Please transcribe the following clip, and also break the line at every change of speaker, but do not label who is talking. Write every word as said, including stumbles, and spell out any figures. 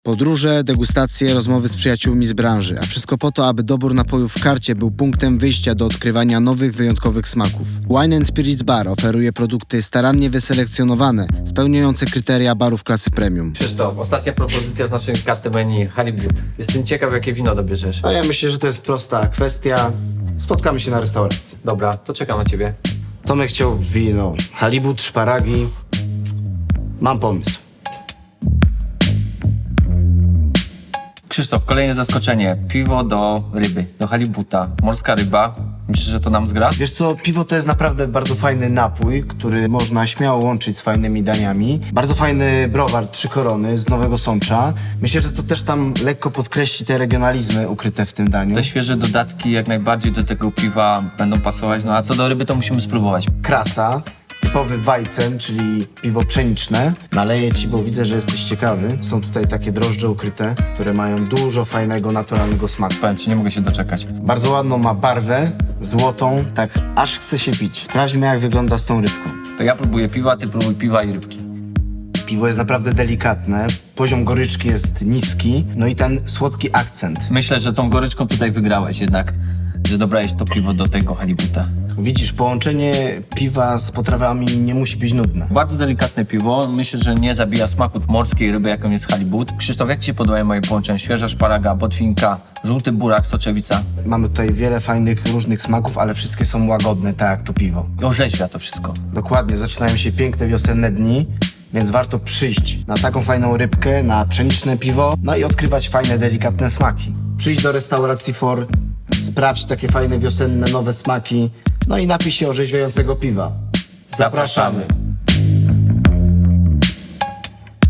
Podróże, degustacje, rozmowy z przyjaciółmi z branży, a wszystko po to, aby dobór napojów w karcie był punktem wyjścia do odkrywania nowych, wyjątkowych smaków. Wine and Spirits Bar oferuje produkty starannie wyselekcjonowane, spełniające kryteria barów klasy premium.
Krzysztof, ostatnia propozycja z naszej karty menu, Halibut. Jestem ciekaw, jakie wino dobierzesz.
A ja myślę, że to jest prosta kwestia. Spotkamy się na restauracji.
Dobra, to czekam na ciebie.
Tomek chciał wino, halibut, szparagi. Mam pomysł.
Krzysztof, kolejne zaskoczenie. Piwo do ryby, do halibuta. Morska ryba. Myślisz, że to nam zgra?
Wiesz co, piwo to jest naprawdę bardzo fajny napój, który można śmiało łączyć z fajnymi daniami. Bardzo fajny browar Trzy Korony z Nowego Sącza. Myślę, że to też tam lekko podkreśli te regionalizmy ukryte w tym daniu.
Te świeże dodatki jak najbardziej do tego piwa będą pasować. No a co do ryby, to musimy spróbować.
Krasa, typowy Weizen, czyli piwo pszeniczne. Naleję ci, bo widzę, że jesteś ciekawy. Są tutaj takie drożdże ukryte, które mają dużo fajnego, naturalnego smaku.
Powiem ci, nie mogę się doczekać.
Bardzo ładną ma barwę, złotą, tak aż chce się pić. Sprawdźmy, jak wygląda z tą rybką.
To ja próbuję piwa, ty próbuj piwa i rybki.
Piwo jest naprawdę delikatne, poziom goryczki jest niski, no i ten słodki akcent.
Myślę, że tą goryczką tutaj wygrałeś jednak, że dobrałeś to piwo do tego halibuta.
Widzisz, połączenie piwa z potrawami nie musi być nudne.
Bardzo delikatne piwo. Myślę, że nie zabija smaku morskiej ryby, jaką jest halibut. Krzysztof, jak ci się podobają moje połączenia? Świeża szparaga, botwinka, żółty burak, soczewica.
Mamy tutaj wiele fajnych, różnych smaków, ale wszystkie są łagodne, tak jak to piwo.
Orzeźwia to wszystko.
Dokładnie, zaczynają się piękne wiosenne dni, więc warto przyjść na taką fajną rybkę, na pszeniczne piwo, no i odkrywać fajne, delikatne smaki. Przyjdź do restauracji For, sprawdź takie fajne, wiosenne, nowe smaki, no i napij się orzeźwiającego piwa. Zapraszamy!